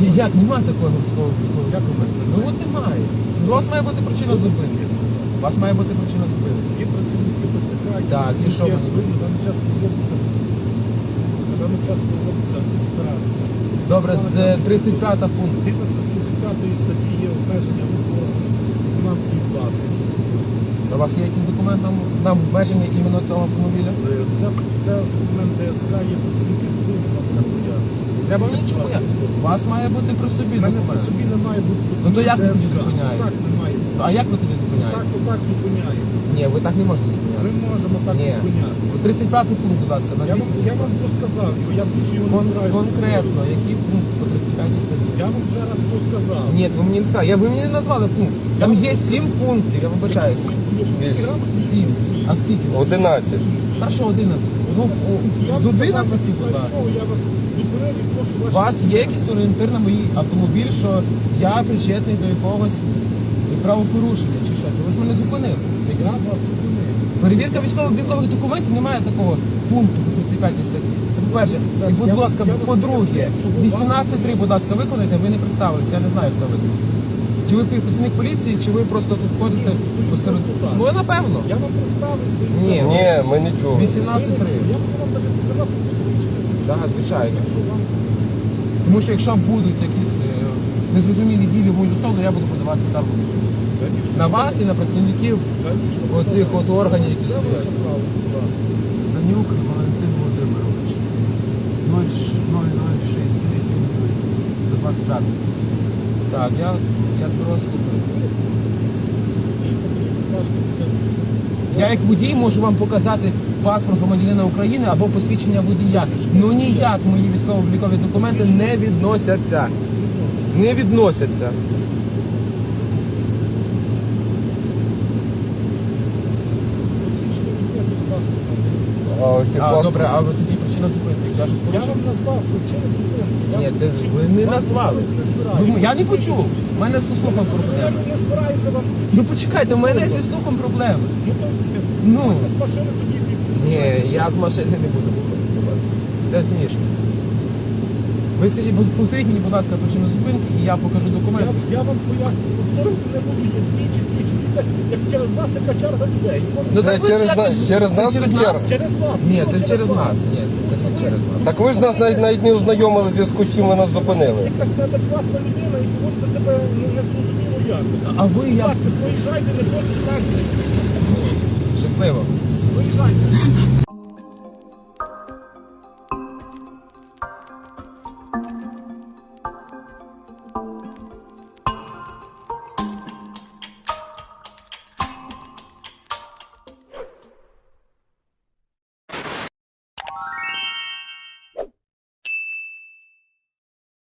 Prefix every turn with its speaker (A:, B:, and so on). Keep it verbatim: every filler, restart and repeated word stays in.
A: Як немає такого військового документу? Ну от немає. У вас має бути причина зупинки. У вас має бути причина зупинки.
B: Є працівники ТЦК,
A: Так, і що вони
B: на даний час проводиться, на даний час проводиться операція.
A: Добре, з тридцять п'ятого пункту.
B: Згідно тридцять п'ятої статті є обмеження виконавчої плати.
A: У вас є якийсь документ на, на обмеження іменно цього автомобіля?
B: Це, це документ ДСК, є працівники СБУ, вам все пояснює.
A: Треба нічого. У вас має бути при собі
B: У мене при
A: документ.
B: собі не має бути
A: Ну то як ви тоді
B: ДСК.
A: зупиняєте?
B: Так не має бути.
A: А як ви тоді зупиняєте?
B: Так, то так зупиняємо.
A: Ні, ви так не можете зупиняти.
B: Ми можемо так
A: Ні.
B: зупиняти.
A: тридцять п'ятий пункт, будь ласка,
B: Я
A: назвіть.
B: вам, я вам розказав його, я двічі його
A: Кон-
B: не збираюся.
A: конкретно, який пункт по тридцять п'ятій статті?
B: Я вам вже раз розказав.
A: Ні, ви мені не сказали. Я, ви мені не назвали пункт. Там є сім пунктів, я вибачаюся. Сім. А скільки?
C: одинадцять.
A: Перше одинадцять. Ну, о, з одинадцяти сюди.
B: Я вас зупинив і прошу
A: У
B: ваші...
A: вас є якийсь орієнтир на мій автомобіль, що я причетний до якогось правопорушення чи що? Ви ж мене зупинили.
B: Я вас зупинив.
A: Перевірка військово-облікових документів немає такого пункту по тридцять п'ятій статті. Це по-перше. І, будь ласка, по-друге, вісімнадцять три, будь ласка, виконайте, ви не представилися, я не знаю, хто ви. Чи ви працівник поліції, чи ви просто тут ходите посеред... Ну, напевно.
B: Я вам представився. і
A: Ні.
B: все.
C: Ні, ми нічого.
A: вісімнадцять три.
B: Я можу вам навіть показати посвідчення.
A: Так, звичайно.
B: Що вам...
A: Тому що якщо будуть якісь е, незрозумілі дії в мою сторону, я буду подавати скаргу на суд. На вас і на працівників оцих от органів, які
B: Це
A: стоять.
B: ваше право, будь ласка.
A: Занюк Валентин Володимирович. нуль нуль нуль шість вісім до двадцять п'ятого. Так, я, я тебе вас слухаю. Я як водій можу вам показати паспорт громадянина України або посвідчення водія. Ну ніяк мої військово-облікові документи не відносяться. Не відносяться.
C: А, ті
A: А,
C: паспорт-
A: добре, а ви тоді причина зупинки. Я щось
B: Я
A: порушив?
B: вам назвав причину зупинки. Я
A: Ні,
B: вам
A: це
B: причину-
A: ви не
B: Вам
A: назвали.
B: не збираюся.
A: Ви- Я не почув. У мене зі слухом
B: Я
A: проблеми.
B: не збираюся вам...
A: Ну почекайте, у мене зі слухом проблеми.
B: Ну, то...
A: Ну.
B: З машини тоді відпустите.
A: Ні, я з машини не буду виходити. Це смішно. Ви скажіть, повторіть мені, будь ласка, причину зупинки, і я покажу документи.
B: Я, я вам поясню, повторювати не буду, є двічі, двічі. Це як через вас, яка черга людей. Може,
A: Ну,
C: Це
A: так ви ж
C: через
A: якось-
C: нас- через
A: це
C: нас
A: через
C: чи
A: нас?
C: черга?
B: через вас.
A: Ні,
B: Ну,
A: це через нас. Ні, це не через нас.
C: Так ви ж нас навіть, навіть не ознайомили в зв'язку з чим ви нас зупинили.
B: Якась неадекватна людина і поводите себе ну, незрозуміло як.
A: А ви
B: Будь
A: як?
B: ласка, проїжджайте, не ходіть нас.
A: Щасливо.
B: Проїжджайте.